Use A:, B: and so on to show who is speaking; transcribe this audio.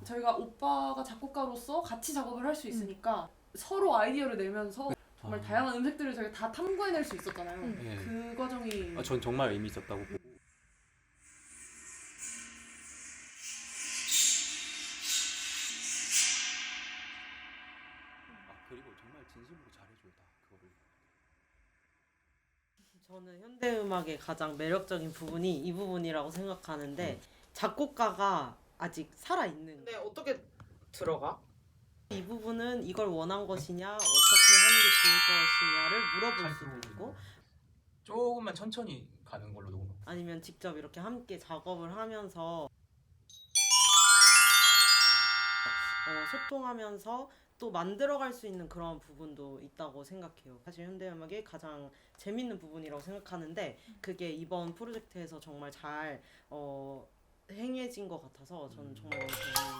A: 저희가 오빠가 작곡가로서 같이 작업을 할 수 있으니까 서로 아이디어를 내면서 정말 다양한 음색들을 저희가 다 탐구해낼 수 있었잖아요.
B: 네.
A: 그 과정이
B: 전 정말 의미 있었다고 보고. 그리고 정말 진심으로 잘해줘요 다 그거를.
C: 저는 현대음악의 가장 매력적인 부분이 이 부분이라고 생각하는데 작곡가가 아직 살아있는
D: 근데 어떻게 들어가?
C: 이 부분은 이걸 원한 것이냐 어떻게 하는 게 좋을 것이냐를 물어볼 수도 있고
E: 조금만 천천히 가는 걸로 녹음.
C: 아니면 직접 이렇게 함께 작업을 하면서 소통하면서 또 만들어갈 수 있는 그런 부분도 있다고 생각해요. 사실 현대음악의 가장 재밌는 부분이라고 생각하는데 그게 이번 프로젝트에서 정말 잘 행해진 것 같아서 저는 정말 너무 재밌는